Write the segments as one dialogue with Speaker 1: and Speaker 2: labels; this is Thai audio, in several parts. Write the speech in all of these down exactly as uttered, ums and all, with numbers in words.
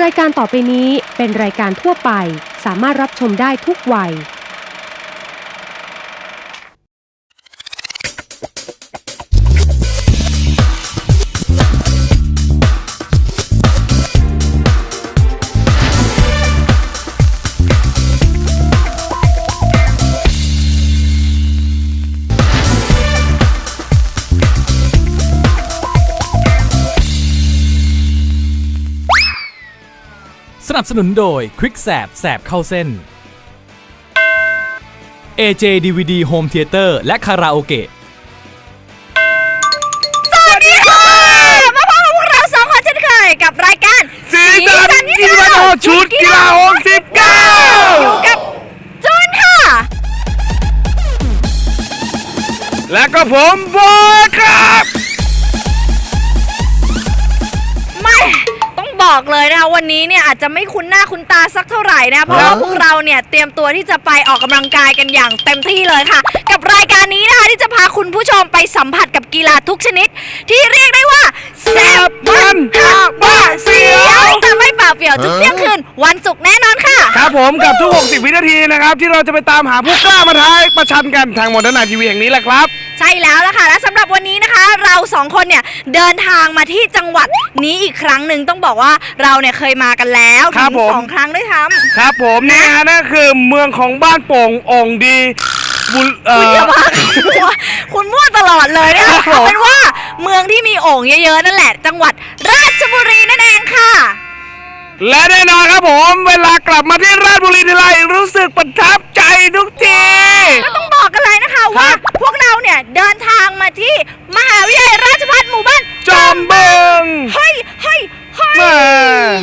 Speaker 1: รายการต่อไปนี้เป็นรายการทั่วไปสามารถรับชมได้ทุกวัย
Speaker 2: สนับสนุนโดย Quick แสบแสบเข้าเส้น เอ เจ ดี วี ดี Home Theater และคาราโอเกะ
Speaker 3: สวัสดีค่ะมาพบกับพวกเราสองคนเช่นเคยกับรายการ
Speaker 4: สีสันยี่สิบห้าชุดกีฬาหกสิบเก้า
Speaker 3: อยู่กับจูนค่ะ
Speaker 4: และก็ผมบอยครับ
Speaker 3: ไม่บอกเลยนะคะวันนี้เนี่ยอาจจะไม่คุ้นหน้าคุ้นตาสักเท่าไหร่นะเพราะว่าพวกเราเนี่ยเตรียมตัวที่จะไปออกกำลังกายกันอย่างเต็มที่เลยค่ะกับรายการนี้นะคะที่จะพาคุณผู้ชมไปสัมผัสกับกีฬาทุกชนิดที่เรียกได้ว่าแซ่บมันฮาบ้าเสียวแต่ไม่เปล่าเปลี่ยวทุกเที่ยงคืนวันศุกร์แน่นอนค่ะ
Speaker 4: ครับผมกับทุกหกสิบวินาทีนะครับที่เราจะไปตามหาผู้กล้ามาท้ายประชันกันทางโมเดิร์นไนท์ทีวีแห่งนี้แหละครับ
Speaker 3: ใช่แล้วล่ะค่ะและสำหรับวันนี้นะคะเราสองคนเนี่ยเดินทางมาที่จังหวัดนี้อีกครั้งหนึ่งต้องบอกว่าเราเนี่ยเคยมากันแล้วถึงสองครั้งด้วยซ้ำ
Speaker 4: ครับผมนี่ฮะนั่นคือเมืองของบ้านโป่งองค์ดีบุญเอ่อ
Speaker 3: คุณมั่วตลอดเลยนะคะเอาเป็นว่าเมืองที่มีโอ่งเยอะๆนั่นแหละจังหวัดราชบุรีนั่นเองค่ะ
Speaker 4: และแน่นอนครับผมเวลากลับมาที่ราชบุรีทีไรรู้สึกประทับใจทุกที
Speaker 3: ก็ต้องบอกกันเลยนะคะว่าพวกเราเนี่ยเดินทางมาที่มหาวิทยาลัยราชภัฏหมู่บ้าน
Speaker 4: จอมบึง
Speaker 3: เฮ้ยเฮ้ยเฮ้ย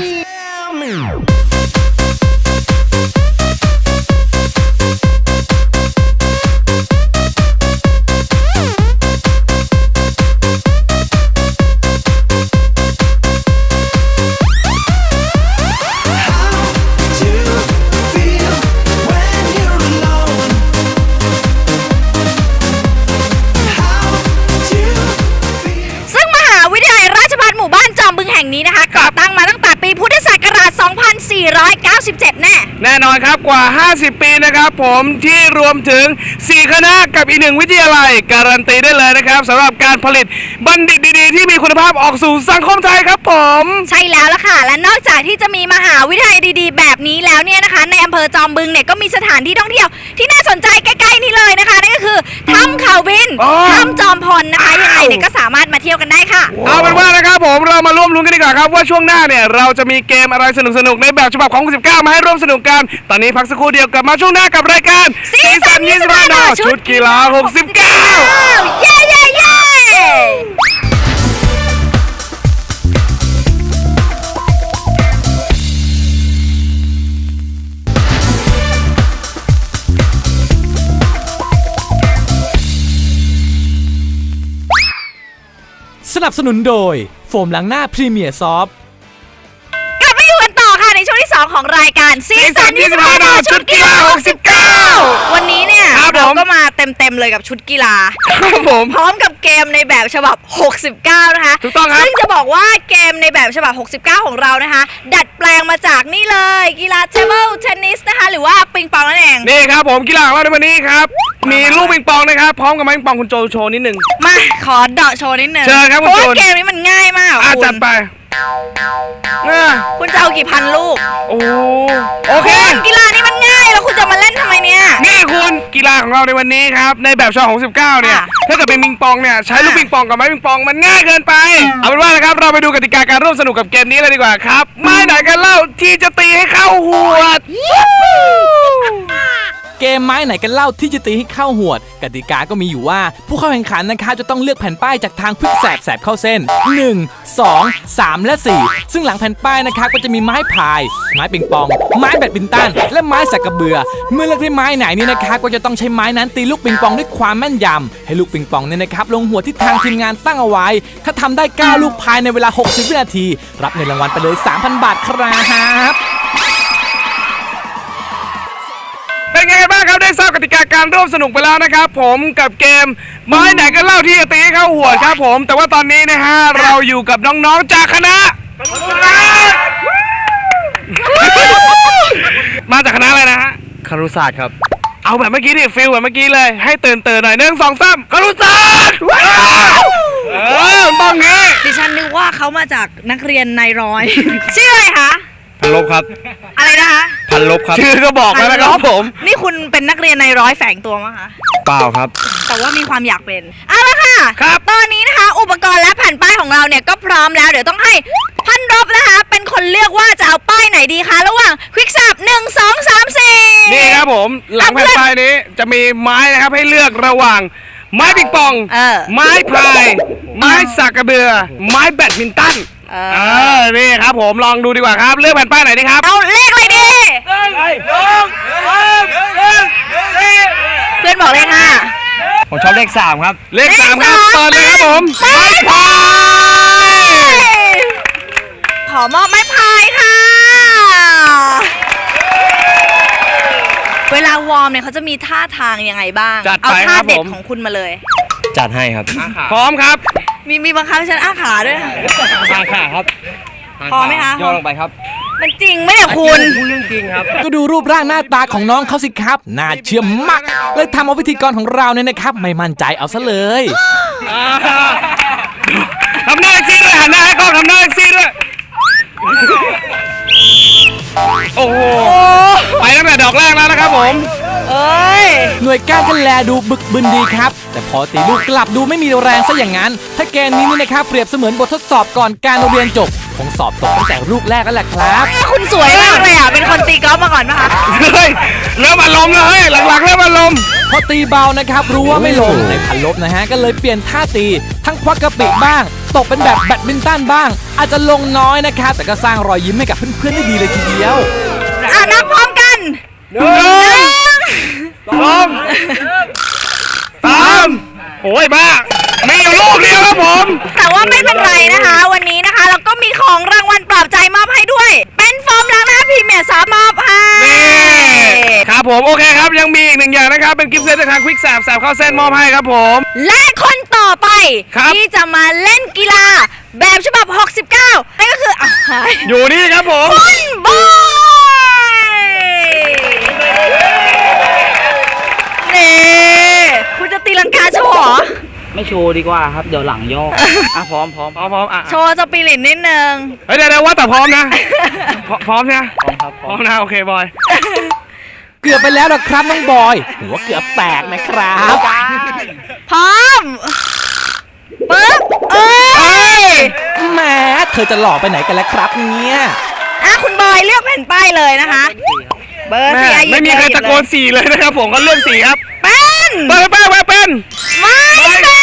Speaker 3: นี้นะคะก่อตั้งมาตั้งแต่ปีพุทธศักราช สองพันสี่ร้อยเก้าสิบเจ็ด แน่
Speaker 4: แน่นอนครับกว่าห้าสิบปีนะครับผมที่รวมถึงสี่คณะกับอีกหนึ่งวิทยาลัยการันตีได้เลยนะครับสำหรับการผลิตบัณฑิตดีๆที่มีคุณภาพออกสู่สังคมไทยครับผม
Speaker 3: ใช่แล้วล่ะค่ะและนอกจากที่จะมีมหาวิทยาลัยดีๆแบบนี้แล้วเนี่ยนะคะในอำเภอจอมบึงเนี่ยก็มีสถานที่ท่องเที่ยวที่น่าสนใจใกล้ๆนี่เลยนะคะนั่นก็คือถ้ำเขาบินถ้ำจอมพลนะคะยังไงเนี่ยก็สามารถมาเที่ยวกันได้ค่ะ
Speaker 4: เอาเป็นว่านะครับผมเรามาร่วมลุ้นกันดีกว่าครับว่าช่วงหน้าเนี่ยเราจะมีเกมอะไรสนุกๆในแบบฉบับของสิบเก้ามาให้ร่วมสนุกกันตอนนี้พักสักครู่เดียวกลับมาช่วงหน้ากับรายการ
Speaker 3: สีสันยี่สิบห้า
Speaker 4: ชุดกีฬาหกสิบเก้า
Speaker 3: เย้เย้เย้
Speaker 2: สนับสนุนโดยโฟมล้างหน้าพรีเมียร์ซอฟต์
Speaker 3: กลับมาอยู่กันต่อค่ะในช่วงที่สองของรายการซีซั่นยี่สิบห้าชุดกีฬาหกสิบเก้าวันนี้เนี่ยเราก็มาเต็มๆเลยกับชุดกีฬา
Speaker 4: ครับผม
Speaker 3: พร้อมกับเกมในแบบฉบับหกสิบเก้านะคะ
Speaker 4: ถูกต้องครับ
Speaker 3: ซึ่งจะบอกว่าเกมในแบบฉบับหกสิบเก้าของเรานะคะดัดแปลงมาจากนี่เลยกีฬาเทเบิลเทนนิสนะคะหรือว่าปิงปองนั่นเอง
Speaker 4: นี่ครับผมกีฬาของเราในวันนี้ครับมีลูกปิงปองนะครับพร้อมกับไม้ปิงปองคุณโจโชว์นิดนึง
Speaker 3: มาขอเดาะโชว์นิดนึง
Speaker 4: เชิญครับคุณโจ
Speaker 3: เพราะว่าเกมนี้มันง่ายมาก
Speaker 4: คุณจัดไป
Speaker 3: คุณจะเอากี่พันลูก
Speaker 4: โอ้โอเค
Speaker 3: กีฬานี้มันง่ายแล้วคุณจะมาเล่นทำไมเนี่ย
Speaker 4: นี่คุณกีฬาของเราในวันนี้ครับในแบบฉบับของสิบเก้าเนี่ยถ้าเกิดเป็นปิงปองเนี่ยใช้ลูกปิงปองกับไม้ปิงปองมันง่ายเกินไปเอาเป็นว่านะครับเราไปดูกติกาการร่วมสนุกกับเกมนี้เลยดีกว่าครับไม้ไหนกันเล่าที่จะตีให้เข้าหัว
Speaker 2: เกมไม้ไหนกันเล่าที่จะตีให้เข้าหวดกติกาก็มีอยู่ว่าผู้เข้าแข่งขันนะครับจะต้องเลือกแผ่นป้ายจากทางควิกแสบแสบเข้าเส้นหนึ่ง สอง สาม และสี่ซึ่งหลังแผ่นป้ายนะครับก็จะมีไม้พายไม้ปิงปองไม้แบดมินตันและไม้สักกระเบือเมื่อเลือกได้ไม้ไหนนี่นะครับก็จะต้องใช้ไม้นั้นตีลูกปิงปองด้วยความแม่นยำให้ลูกปิงปองเนี่ยนะครับลงหัวที่ทางทีมงานตั้งเอาไว้ถ้าทำได้เก้าลูกภายในเวลาหกสิบวินาทีรับเงินรางวัลไปเลย สามพัน บาทครับ
Speaker 4: เป็นไงบ้างครับได้ทราบกติกาการร่วมสนุกไปแล้วนะครับผมกับเกมไม้ไหนกันเล่าที่จะตีให้เข้าหัวครับผมแต่ว่าตอนนี้นะฮะเราอยู่กับน้องๆจากคณะมาจากคณะอะไรนะฮะ
Speaker 5: ครุศาสตร์ครับ
Speaker 4: เอาแบบเมื่อกี้ดิฟิลแบบเมื่อกี้เลยให้ตื่นตื่นหน่อยหนึ่งสองสามครุศาสตร์เออต้องงี้
Speaker 3: ดิฉันนึกว่าเขามาจากนักเรียนนายร้อย ชื่ออะไรคะ
Speaker 5: พันลบครับ
Speaker 3: อะไรนะคะ
Speaker 5: พันลบครับ
Speaker 4: ชื่อก็บอกแล้วนะครับผม
Speaker 3: นี่คุณเป็นนักเรียนนายร้อยแฝงตัวมั้งคะ
Speaker 5: เปล่าครับ
Speaker 3: แต่ว่ามีความอยากเป็นเอาละค่ะ
Speaker 4: ครับ
Speaker 3: ตอนนี้นะคะ อุปกรณ์และแผ่นป้ายของเราเนี่ยก็พร้อมแล้ว เดี๋ยวต้องให้พันรบนะคะ เป็นคนเลือกว่าจะเอาป้ายไหนดีคะระหว่างควิกซับหนึ่งสองสามสี่
Speaker 4: นี่ครับผมหลังแผ่นป้ายนี้จะมีไม้นะครับให้เลือกระหว่าง ไม้ปิงปอง
Speaker 3: เออ
Speaker 4: ไม้พาย ไม้สักกระเบือ ไม้แบดมินตัน
Speaker 3: เอ
Speaker 4: เอ
Speaker 3: อ
Speaker 4: อนี่ครับผมลองดูดีกว่าครับ เลือกแผ่นป้ายไหนดีครับ
Speaker 3: เอาเลขอะไรดีเพื่อนบอกเลขห้า
Speaker 5: ผมชอบเลขสามครับ
Speaker 4: เลขสามครับเปิดเลยครับผม
Speaker 3: ไม้พายขอมอบไม้พายค่ะ เวลาวอร์มเนี่ยเขาจะมีท่าทางยังไงบ้าง
Speaker 4: จัด
Speaker 3: เอา
Speaker 4: ไป
Speaker 3: ท่า
Speaker 4: ครับ
Speaker 3: เด็
Speaker 4: ผ
Speaker 3: ด
Speaker 4: ม
Speaker 3: ของคุณมาเลย
Speaker 5: จัดให้ครับ
Speaker 4: พร้อมครับ
Speaker 3: มีมีบังคับให้ฉันอ้าขาด้วยค่ะ
Speaker 5: ทางขาครับ
Speaker 3: พอไหมคะ
Speaker 5: ย่อลงไปครับ
Speaker 3: มันจริงไหมเนี่ยคุณ
Speaker 5: พูดเรื่องจริงครับ
Speaker 2: ก็ดูรูปร่างหน้าตาของน้องเขาสิครับ น่าเชื่อมากเลยทำเอาพิธีกรของเราเนี่ยนะครับ ไม่มั่นใจเอาซะเลย
Speaker 4: ทำหน้าเอ็กซี่ด้วยหันหน้าให้กล้องทำหน้าเอ็กซี่ด้วย โอ้โห ไปตั้งแต่ดอกแรกแล้วนะครับผม
Speaker 3: เอ้ย
Speaker 2: หน่วยก้านก็แลดูบึกบึนดีครับ แต่พอตีลูกกลับดูไม่มีแรงซะอย่างนั้น ถ้าเกมนี้นี่นะครับเปรียบเสมือนบททดสอบก่อนการเรียนจบ คงสอบตกตั้งแต่ลูกแรกแล้วแหละครับ
Speaker 3: คุณสวยมากเลยอ่ะ เป็นคนตีกอล์ฟมาก่อนปะคะ
Speaker 4: เฮ้ยเริ่มอารมณ์แล้วเฮ้ยหลังๆเริ่มอารมณ์
Speaker 2: พอตีเบานะครับรู้ว่าไม่ลงในพันลบนะฮะก็เลยเปลี่ยนท่าตี ทั้งควักกระปิบ้าง ตกเป็นแบบแบดมินตันบ้าง อาจจะลงน้อยนะครับแต่ก็สร้างรอยยิ้มให้กับเพื่อนๆได้ดีเลยทีเดียว
Speaker 3: อ่ะนับพร้อมกัน
Speaker 4: หนึ่งสองสามโอ้ยบ้ามีอยู่ลูกเดียวครับผม
Speaker 3: แต่ว่าไม่เป็นไรนะคะ วันนี้นะคะ เราก็มีของรางวัลปลอบใจมอบให้ด้วย เป็นโฟมล้างหน้าพรีเมียร์สามมอบให้
Speaker 4: นี่ครับผมโอเคครับยังมีอีกหนึ่งอย่างนะครับเป็นกิฟต์เซตจากทางควิกแสบแสบเข้าเส้นมอบให้ครับผม
Speaker 3: และคนต่อไป
Speaker 4: ครับ
Speaker 3: ที่จะมาเล่นกีฬาแบบฉบับ หกสิบเก้า นั่นก็คืออ่ะ
Speaker 4: อยู่นี่ครับผม
Speaker 3: คุณบอยนี่คุณจะตีลังกาโชว์เหรอ
Speaker 5: ไม่โชว์ดีกว่าครับ เดี๋ยวหลังย่อ อ่ะพร้อมพร้อม
Speaker 4: พร้อมพร้อมอ่ะ
Speaker 3: โชว์สปิริตนิดนึง
Speaker 4: เฮ้ยเดี๋ยวเดี๋ยวว่าแต่พร้อมนะพร้อมพร้อมใช่ไหม
Speaker 5: พร้อมครับพ
Speaker 4: พ
Speaker 5: ร้
Speaker 4: ร้
Speaker 5: อ
Speaker 4: อ
Speaker 5: ม
Speaker 4: มนะโอเคบอย
Speaker 2: เกือบไปแล้วนะครับน้องบอย หัวเกือบแตกนะครับ
Speaker 3: พร้อมปึ๊บเอ้ย
Speaker 2: แหมเธอจะหล่อไปไหนกันแล้วครับเนี่ย
Speaker 3: อ่ะคุณบอยเลือกแผ่นป้ายเลยนะคะ เบอร์
Speaker 4: แม่
Speaker 3: สี่อ่ะหยิบ
Speaker 4: ไม่มีใคร
Speaker 3: เลย
Speaker 4: ตะโกนสี่เลยนะครับผมก็เลือกสี่ครับ
Speaker 3: เป็น
Speaker 4: เปิดแป้งมาเป็น
Speaker 3: ไม่เป็น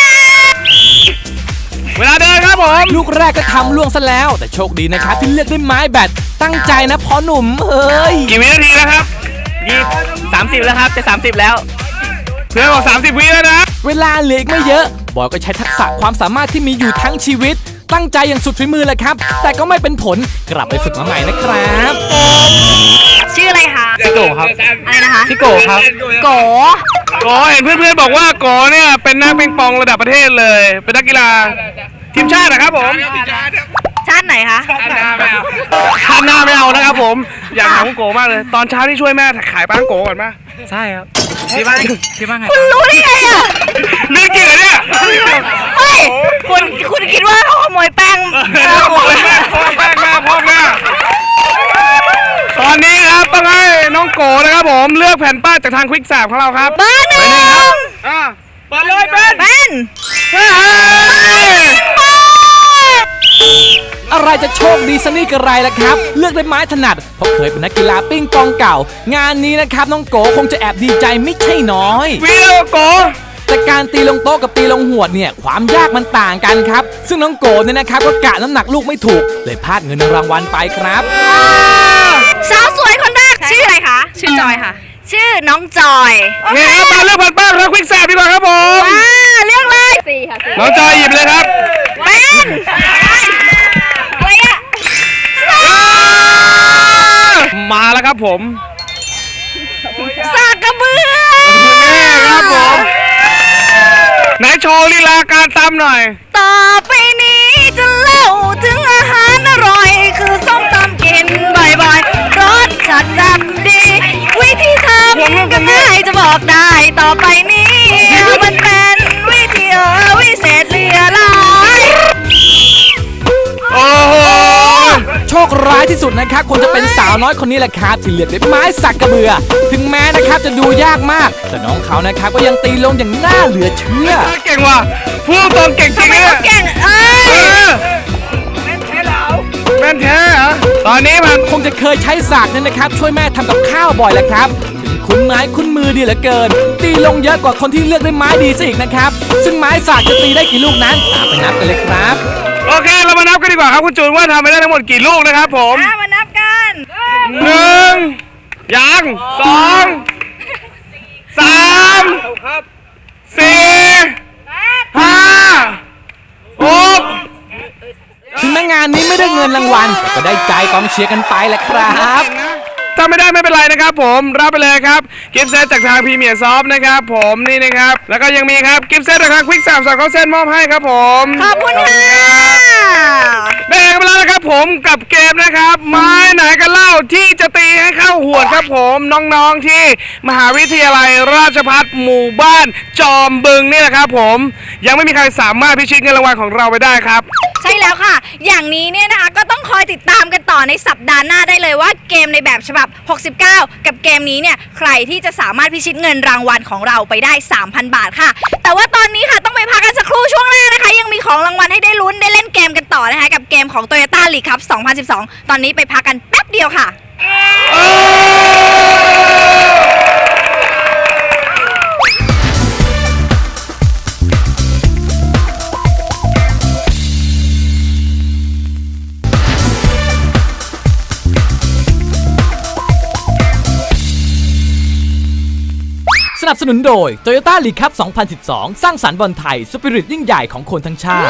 Speaker 4: เวลาเดินครับผม
Speaker 2: ลูกแรกก็ทำล่วงซะแล้ว แต่โชคดีนะครับที่เลือกด้วยไม้แบตตั้งใจนะพอหนุ่มเอ้ย
Speaker 4: กี่วินาทีแล้วครับ
Speaker 5: ยี่สามสิบแล้วครับ จะสามสิบแล้ว
Speaker 4: เพื่อนบอกสามสิบวิแล้วนะ
Speaker 2: เวลาเหลืออีกไม่เยอะ บอยก็ใช้ทักษะความสามารถที่มีอยู่ทั้งชีวิต ตั้งใจอย่างสุดฝีมือเลยครับ แต่ก็ไม่เป็นผลกลับไปฝึกมาใหม่นะครับ
Speaker 3: ชื่ออะไรคะ
Speaker 5: พี่โกครับ
Speaker 3: อะไรนะคะ
Speaker 5: พี่โกครับ
Speaker 3: โก
Speaker 4: โกเห็นเพื่อนๆบอกว่าโกเนี่ยเป็นนักปิงปองระดับประเทศเลย เป็นนักกีฬาทีมชาตินะครับผม
Speaker 3: ชาติไหนคะ
Speaker 4: ชาติหน้าไม่เอาชาติหน้าไม่เอานะครับผม อยากถามคุณโกมากเลย ตอนเช้าที่ช่วยแม่ขายป้างโกก่อนมา
Speaker 5: ใช่ครับ ที่บ้านที่บ้านไง
Speaker 3: คุณรู้ได้ไงอ่ะ
Speaker 4: เรื่องจริงเหรอเนี่ย
Speaker 3: เฮ้ย คุณคุณคิดว่าเขาขโมยแป้งเออ
Speaker 4: พ่อแม่พ่อแม่พ่อแม่ตอนนี้ครับต้องให้น้องโกนะครับผมเลือกแผ่นป้ายจากทางควิกแสบของเราครับ
Speaker 3: เบอร์หนึ่ง
Speaker 4: อ่าเปิดเลยเป็น
Speaker 3: เป็น
Speaker 4: เฮ้ย
Speaker 2: อะไรจะโชคดีสนี่กระไรล่ะครับ เลือกได้ไม้ถนัดเพราะเคยเป็นนักกีฬาปิ้งปองเก่า งานนี้นะครับน้องโกคงจะแอบดีใจไม่ใช่น้อย
Speaker 4: วิโอโก
Speaker 2: แต่การตีลงโต๊ะกับตีลงหวดเนี่ยความยากมันต่างกันครับ ซึ่งน้องโกเนี่ยนะครับก็กะน้ำหนักลูกไม่ถูก เลยพลาดเงินรางวัลไปครับ
Speaker 3: สาวสวยคนแรกชื่ออะไรคะ ชื่อจอยค่ะ ชื่อน้องจอย
Speaker 4: นี่ครับมาเลือกแผ่นป้ายของทางควิกแสบดีกว่าครับผม
Speaker 3: มาเลือกเลยสี่ค่ะสี่
Speaker 4: น้องจอยหยิบเลยครับ
Speaker 3: เป็นอะไรอ่ะ
Speaker 4: มาแล้วครับผม
Speaker 3: สากกระเบือ
Speaker 4: นี่ครับผมไหนโชว์ลีลาการตำหน่อย
Speaker 3: ต่อไปนี้จะเล่าถึงอาหารอร่อย คือส้มตำกินบ่อยๆ
Speaker 2: คร้ายที่สุดนะครับคงจะเป็นสาวน้อยคนนี้แหละครับที่เลือกด้วยไม้สักกระเบือถึงแม้นะครับจะดูยากมากแต่น้องเขานะครับก็ยังตีลงอย่างน่าเหลือเชื่อ
Speaker 4: เก่งว่ะพูดตรงเก่งจริงเนี่ย
Speaker 3: เก่งเอ้ย
Speaker 4: แม่นแท้เหรอตอนนี้มัน
Speaker 2: คงจะเคยใช้สากนั่นนะครับช่วยแม่ทำกับข้าวบ่อยแหละครับถึงคุ้นไม้คุ้นมือดีเหลือเกิน ตีลงเยอะกว่าคนที่เลือกด้วยไม้ดีซะอีกนะครับซึ่งไม้สากจะตีได้กี่ลูกนั้นตามไปนับกันเลยครับ
Speaker 4: โอเคเรามานับกันดีกว่าครับคุณจูนว่าทำไปได้ทั้งหมดกี่ลูกนะครับผม
Speaker 3: อ่ะมานับกัน
Speaker 4: หนึ่งยังสองสามสี่ห้าหก
Speaker 2: ถึงแม้งานนี้ไม่ได้เงินรางวัลแต่ก็ได้ใจกองเชียร์กันไปแหละครับ
Speaker 4: ถ้าไม่ได้ไม่เป็นไรนะครับผมรับไปเลยครับกิฟต์เซตจากทางพรีเมียร์ซอฟต์นะครับผมนี่นะครับแล้วก็ยังมีครับกิฟต์เซตจากทางควิกสามสามเขาเส้นมอบให้ครับผม
Speaker 3: ขอบคุณค่ะ
Speaker 4: ได้กันไปแล้วนะครับผมกับเกมนะครับไม้ไหนกันเล่าที่จะตีให้เข้าหวดครับผมน้องๆที่มหาวิทยาลัยราชภัฏหมู่บ้านจอมบึงนี่แหละครับผมยังไม่มีใครสามารถพิชิตเงินรางวัลของเราไปได้ครับ
Speaker 3: ใช่แล้วค่ะ อย่างนี้เนี่ยนะคะก็ต้องคอยติดตามกันต่อในสัปดาห์หน้าได้เลยว่าเกมในแบบฉบับหกสิบเก้ากับเกมนี้เนี่ยใครที่จะสามารถพิชิตเงินรางวัลของเราไปได้ สามพัน บาทค่ะ แต่ว่าตอนนี้ค่ะต้องไปพักกันสักครู่ช่วงหน้านะคะยังมีของรางวัลให้ได้ลุ้นได้เล่นเกมกันต่อนะคะกับเกมของ Toyota League Cup สองพันสิบสอง ตอนนี้ไปพักกันแป๊บเดียวค่ะ
Speaker 2: สนับสนุนโดย Toyota League Cup สองพันสิบสอง สร้างสรรค์บอลไทยสปิริตยิ่งใหญ่ของคนทั้งชาติ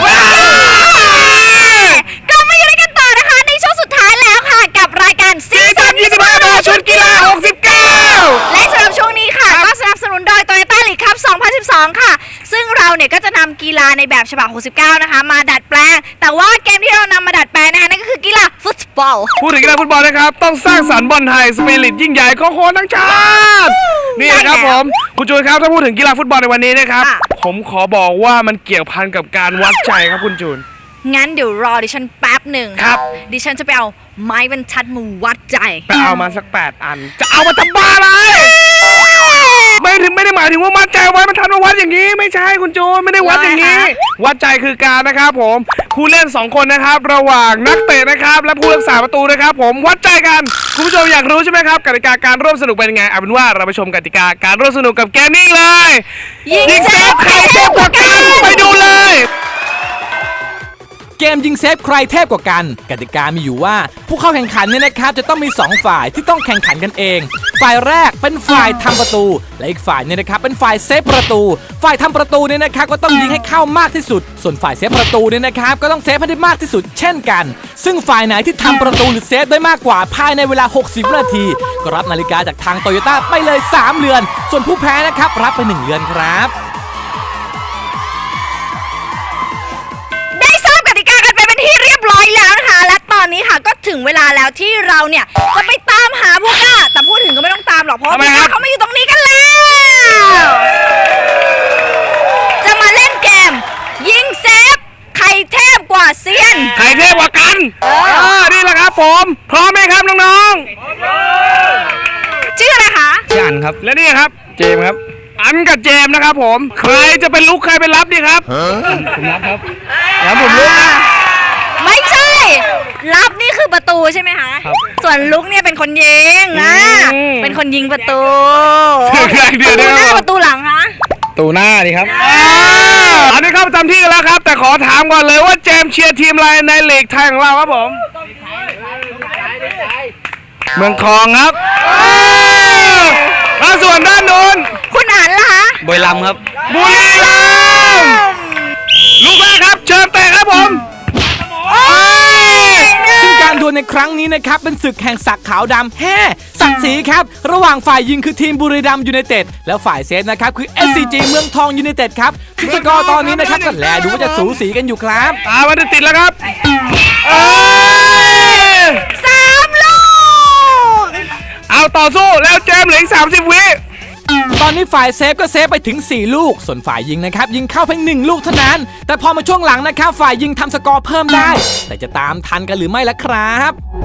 Speaker 3: กลับมาอยู่ด้วยกันต่อนะคะในช่วงสุดท้ายแล้วค่ะกับรายการซีซั่นยี่สิบห้า
Speaker 4: ชุดกีฬาหกสิบเก้า
Speaker 3: และสำหรับช่วงนี้ค่ะก็สนับสนุนโดย Toyota League Cup สองพันสิบสอง ค่ะซึ่งเราเนี่ยก็จะนำกีฬาในแบบฉบับหกสิบเก้านะคะมาดัดแปลงแต่ว่าเกมที่เรานำมาดัดแปลงนะคะนั่นก็คือกีฬาฟุตบอล
Speaker 4: พูดถึงกีฬาฟุตบอลนะครับต้องสร้างสรรค์บอลไทยสปิริตยิ่งใหญ่ของคนทั้งชาตินี่นะครับผมคุณจูนครับถ้าพูดถึงกีฬาฟุตบอลในวันนี้นะครับผมขอบอกว่ามันเกี่ยวพันกับการวัดใจครับคุณจูน
Speaker 3: งั้นเดี๋ยวรอดิฉันแป๊บหนึ่ง
Speaker 4: ครับ
Speaker 3: ดิฉันจะไปเอาไม้บรรทัดมาวัดใจ
Speaker 4: ไปเอามาสักแปดอัน จะเอามาทำบ้าอะไรไม่ถึงไม่ได้หมายถึงว่ามัดใจไว้มันทันมาวัดอย่างนี้ไม่ใช่คุณจูนไม่ได้วัดอย่างนี้ วัดใจคือการนะครับผมผู้เล่นสองคนนะครับระหว่างนักเตะนะครับและผู้รักษาประตูนะครับผมวัดใจกันคุณผู้ชมอยากรู้ใช่ไหมครับกติกาการร่วมสนุกเป็นยังไงเอาเป็นว่าเราไปชมกติกาการร่วมสนุกกับเกมนี้เลย
Speaker 3: ยิงเซฟ
Speaker 4: ใครเทพกว่ากันไปดูเลย
Speaker 2: เกมยิงเซฟใครเทพกว่ากันกติกามีอยู่ว่าผู้เข้าแข่งขันเนี่ยนะครับจะต้องมีสองฝ่ายที่ต้องแข่งขันกันเองฝ่ายแรกเป็นฝ่ายทำประตูและอีกฝ่ายเนี่ยนะครับเป็นฝ่ายเซฟประตูฝ่ายทำประตูเนี่ยนะครับก็ต้องยิงให้เข้ามากที่สุดส่วนฝ่ายเซฟประตูเนี่ยนะครับก็ต้องเซฟให้ได้มากที่สุดเช่นกันซึ่งฝ่ายไหนที่ทำประตูหรือเซฟได้มากกว่าภายในเวลาหกสิบวินาทีก็รับนาฬิกาจากทางโตโยต้าไปเลยสามเรือนส่วนผู้แพ้นะครับรับไปหนึ่งเรือนครับ
Speaker 3: ที่เรียบร้อยแล้วนะคะและตอนนี้ค่ะก็ถึงเวลาแล้วที่เราเนี่ยจะไปตามหาผู้กล้าแต่พูดถึงก็ไม่ต้องตามหรอกเพราะว่าผู้กล้าเขามาอยู่ตรงนี้กันแล้วจะมาเล่นเกมยิงเซฟใครเทพกว่าเซียน
Speaker 4: ใครเทพกว่ากันเออนี่แหละครับผมพร้อมไหมครับน้อง
Speaker 3: ๆชื่ออะไรคะ
Speaker 5: ชื่ออันครับ
Speaker 4: และนี่ครับเจมครับอันกับเจมนะครับผมใครจะเป็นลุกใครเป็นรับดีครับ
Speaker 5: ผมรับครับ
Speaker 4: แล้วผมลุกนะ
Speaker 3: ไม่ใช่รับนี่คือประตูใช่ไหมคะส่วนลุกเนี่ยเป็นคนยิงอ่ะเป็นคนยิงประตูประตูหน้าประตูหลังคะ
Speaker 5: ประตูหน้าดีครับ
Speaker 4: อันนี้เข้าประจำที่กันแล้วครับแต่ขอถามก่อนเลยว่าเจมเชียร์ทีมอะไรในลีกไทยของเราครับผมเมืองทองครับแล้วส่วนด้านนู้น
Speaker 3: คุณอ่านล่ะคะ
Speaker 5: บุรีรัมย์ครับ
Speaker 4: บุรีรัมย์ลูกแรกครับเชิญเตะครับผม
Speaker 2: ซึ่งการดวลในครั้งนี้นะครับเป็นศึกแห่งศักดิ์ขาวดำแฮ่ศักดิ์ศรีครับระหว่างฝ่ายยิงคือทีมบุรีรัมย์ยูไนเต็ดแล้วฝ่ายเซฟนะครับคือ เอส ซี จี เมืองทองยูไนเต็ดครับซึ่งสกอร์ตอนนี้นะครับก็แลดูว่าจะสูสีกันอยู่ครับ
Speaker 4: ตาวันติดแล้วครับ
Speaker 3: สามลูก
Speaker 4: เอาต่อสู้แล้วเจมเหลืออีกสามสิบวิต
Speaker 2: อนนี้ฝ่ายเซฟก็เซฟไปถึงสี่ลูกส่วนฝ่ายยิงนะครับยิงเข้าเพียงหนึ่งลูกเท่านั้นแต่พอมาช่วงหลังนะครับฝ่ายยิงทำสกอร์เพิ่มได้แต่จะตามทันกันหรือไม่ล่ะครับ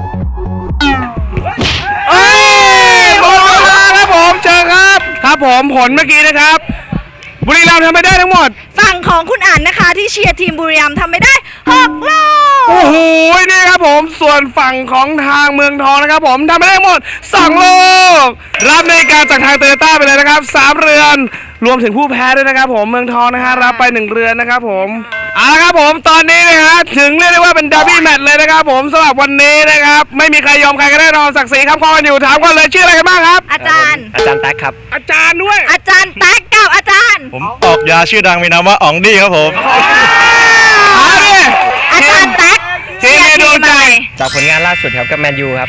Speaker 4: เอ้ยหมดเวลาครับผมเจอครับครับผมผลเมื่อกี้นะครับบุรีรัมย์ทำไปได้ทั้งหมด
Speaker 3: ฝั่งของคุณอั๋นนะคะที่เชียร์ทีมบุรีรัมย์ทำไปได้หกลูก
Speaker 4: โอ้โหนี่ครับผมส่วนฝั่งของทางเมืองทองนะครับผมทำไปได้ทั้งหมดสองลูกรับในการจากทางโตโยต้าไปเลยนะครับสามเรือนรวมถึงผู้แพ้ด้วยนะครับผมเมืองทองนะฮะรับไปหนึ่งเรือนนะครับผมเอาละครับผมตอนนี้นะฮะถึงเรียกได้ว่าเป็นดับเบิลแมตช์เลยนะครับผมสำหรับวันนี้นะครับไม่มีใครยอมใครกันแน่นอนศักดิ์ศรีครับข้อกันอยู่ถามก่อนเลยชื่ออะไรกันบ้างครับ
Speaker 3: อาจารย์
Speaker 6: อาจารย์แท็กครับ
Speaker 4: อาจารย์ด้วย
Speaker 3: อาจารย์แป๊กกับอาจารย์
Speaker 6: ผมออกยาชื่อดังมีนามว่าอ๋องดี้ครับผม
Speaker 4: เอาดิ
Speaker 3: อาจารย์แป๊ก
Speaker 4: ทีมในดวงใจ
Speaker 6: จากผลงานล่าสุดครับกับแมนยูครับ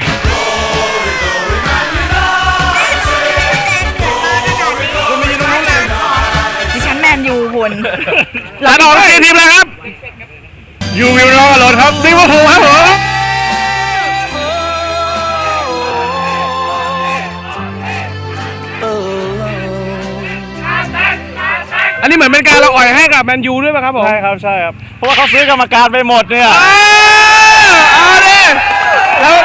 Speaker 3: ดิฉันแมนยูคุณ
Speaker 4: แล้วออกทีมทีมอะไรครับยูวิลรอรถครับลิเวอร์พูลครับผมอันนี้เหมือนเป็นการเราอ่อยให้กับแมนยูด้วยป่ะครับผม
Speaker 6: ใช่ครับใช่ครับ เพราะว่าเขาซื้อกรรมการไปหมดเนี่ย
Speaker 4: เอาดิแล้ว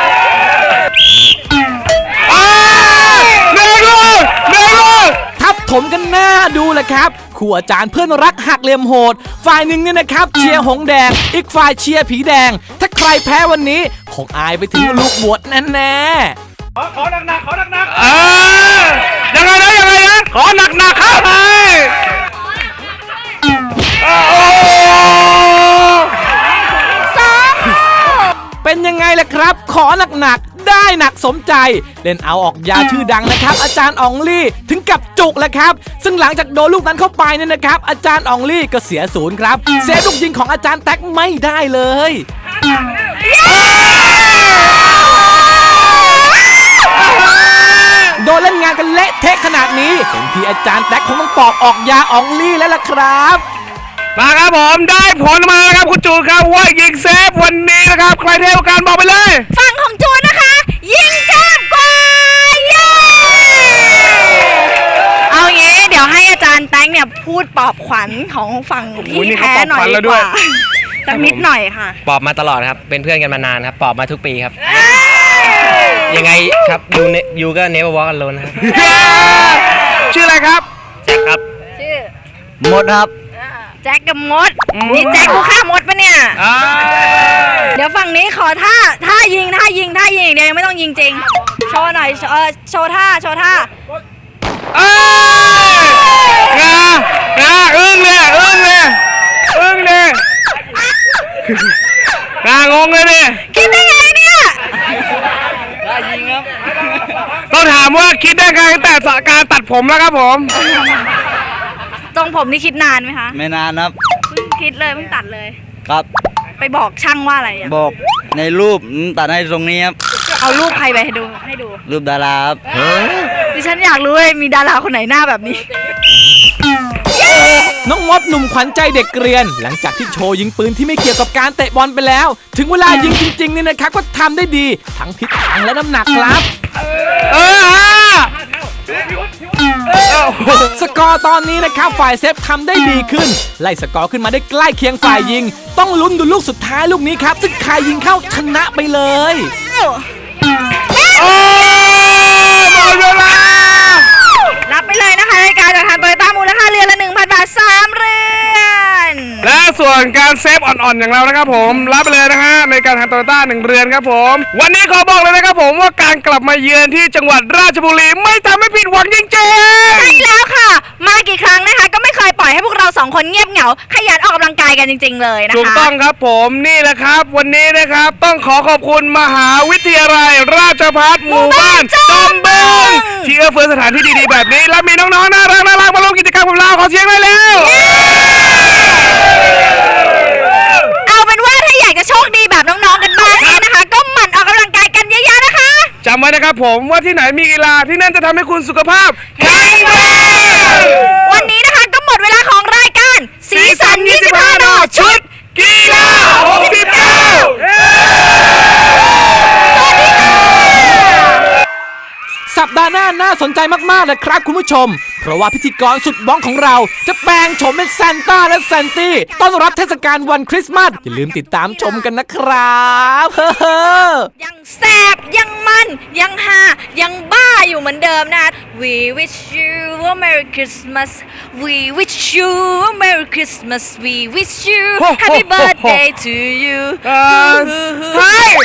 Speaker 4: เดินเลยเดินเลย
Speaker 2: ทับถมกันหน้าดูแหละครับคู่อาจารย์เพื่อนรักหักเหลี่ยมโหดฝ่ายหนึ่งเนี่ยนะครับเชียร์หงแดงอีกฝ่ายเชียร์ผีแดงถ้าใครแพ้วันนี้คงอายไปถึงลูกบวชแน่ๆ
Speaker 4: ขอหนักหนักขอหนักหนักเออยังไงนะยังไงนะขอหนักหนักครับไปโอ้
Speaker 2: เป็นยังไงล่ะครับขอหนักๆได้หนักสมใจเล่นเอาออกยาชื่อดังนะครับอาจารย์อองลี่ถึงกับจุกแหละครับซึ่งหลังจากโดนลูกนั้นเข้าไปเนี่ยนะครับอาจารย์อองลี่ก็เสียศูนย์ครับเซฟลูกยิงของอาจารย์แท็กไม่ได้เลยโดนเล่นงานกันเละเทะขนาดนี้เห็นทีอาจารย์แท็กคงต้องปอกออกยาอองลี่แล้วล่ะครับ
Speaker 4: มาครับผมได้ผลมาแล้วครับคุณจูนครับว่ายิงเซฟวันนี้นะครับใครเท่ากันบอกไปเลย
Speaker 3: ฝั่งของจูนนะคะ ยิงแก้มกว่าเย้เอางี้เดี๋ยวให้อาจารย์แป๊งเนี่ยพูดปลอบขวัญของฝั่งที่แพ้หน่อยดีกว่าสักนิดหน่อยค่ะ
Speaker 6: ปอบมาตลอดครับ เป็นเพื่อนกันมานานครับ ปอบมาทุกปีครับ ยังไงครับยูเนยูก็เนเวอร์วอล์กกันโลนครับ
Speaker 4: ชื่ออะไรครับ
Speaker 6: แจ็คครับ
Speaker 3: ชื่อ
Speaker 6: หมดครับ
Speaker 3: แจ็คกับมดนี่แจ็คกูฆ่ามดปะเนี่ย
Speaker 4: อ่า
Speaker 3: เดี๋ยวฝั่งนี้ขอท่าท่ายิงท่ายิงท่ายิงอย่างเดียวยังไม่ต้องยิงจริงโชว์หน่อยโชว์เออโชว์ท่าโชว์ท่า
Speaker 4: เอ้ยงางาอึ้งเลยอึ้งเลยอึ้งเลยงางงเลยดิ
Speaker 3: คิดได้ไงเนี่ย
Speaker 6: ได้ยิงครับ
Speaker 4: ต้องถามว่าคิดได้ไงตั้งแต่การตัดผมแล้วครับผม
Speaker 3: ทรงผมนี่คิดนานไหมคะ
Speaker 7: ไม่นานครับ
Speaker 3: เพิ่งคิดเลยเพิ่งตัดเลย
Speaker 7: ครับ
Speaker 3: ไปบอกช่างว่าอะไรอ่ะ
Speaker 7: บอกในรูปอืมตัดให้ตรงนี้ครับ
Speaker 3: เอารูปใครไปให้ดูให้ดู
Speaker 7: รูปดาราครับ
Speaker 3: ดิฉันอยากรู้เลยมีดาราคนไหนหน้าแบบนี้
Speaker 2: น้องมดหนุ่มขวัญใจเด็กเกรียน หลังจากที่โชว์ยิงปืนที่ไม่เกี่ยวกับการเตะบอลไปแล้ว ถึงเวลายิงจริงๆเนี่ยนะครับก็ทำได้ดีทั้งทิศทางและน้ำหนักครับ
Speaker 4: เออฮะ
Speaker 2: สกอร์ตอนนี้นะครับฝ่ายเซฟทำได้ดีขึ้นไล่สกอร์ขึ้นมาได้ใกล้เคียงฝ่ายยิงต้องลุ้นดูลูกสุดท้ายลูกนี้ครับซึ่งใครยิงเข้าชนะไปเลย
Speaker 4: โอ้หมดเวลา
Speaker 3: รับไปเลยนะคะรายการจากทางโตโยต้ามูลค่าเรือนละ หนึ่งพัน บาทสามเรือน
Speaker 4: และส่วนการเซฟอ่อนๆอย่างเรานะครับผมรับไปเลยนะฮะในการทางโตโยต้าหนึ่งเรือนครับผมวันนี้ขอบอกเลยนะครับผมว่าการกลับมาเยือนที่จังหวัดราชบุรีไม่ทำให้ผิดหวังจริง
Speaker 3: ใช่แล้วค่ะ มากี่ครั้งนะคะก็ไม่เคยปล่อยให้พวกเราสองคนเงียบเหงาขยันออกกำลังกายกันจริงๆเลยนะคะ
Speaker 4: ถูกต้องครับผมนี่แหละครับวันนี้นะครับต้องขอขอบคุณมหาวิทยาลัยราชภัฏหมู่บ้านจอมบึงที่เอื้อเฟื้อสถานที่ดีๆแบบนี้และมีน้องๆน่ารักน่ารักมาร่วมกิจกรรมกับเราขอเสียงหน่อยเร็ว
Speaker 3: เอาเป็นว่าถ้าอยากจะโชคดีแบบน้องๆกันบ้างเนี่ยนะคะ ก็หมั่นออกกำลังกายกันเยอะๆนะคะ
Speaker 4: จำไว้นะครับผมว่าที่ไหนมีกีฬาที่นั่นจะทำให้คุณสุขภาพแข็งแรง
Speaker 3: วันนี้นะคะก็หมดเวลาของรายการสีสันยี่สิบห้านอชุด
Speaker 4: กีฬาหกสิบเก้า
Speaker 2: สัปดาห์หน้าน่าสนใจมากๆเลยครับคุณผู้ชม เพราะว่าพิธีกรสุดบ้องของเราจะแปลงโฉมเป็นซานต้าและแซนตี้ต้อนรับเทศกาลวันคริสต์มาสอย่าลืมติดตามชมกันนะครับเฮ้อ
Speaker 3: ยังแสบยังมันยังฮายังบ้าอยู่เหมือนเดิมนะ We wish you a Merry Christmas We wish you a Merry Christmas We wish you Happy birthday to you
Speaker 4: เอ่อเฮ้ย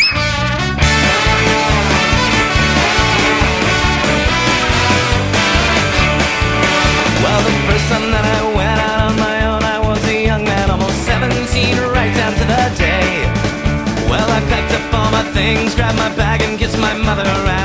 Speaker 8: Well, the first time that I went out on my own, I was a young man, almost seventeen, right down to the day. Well, I packed up all my things, grabbed my bag and kissed my mother, and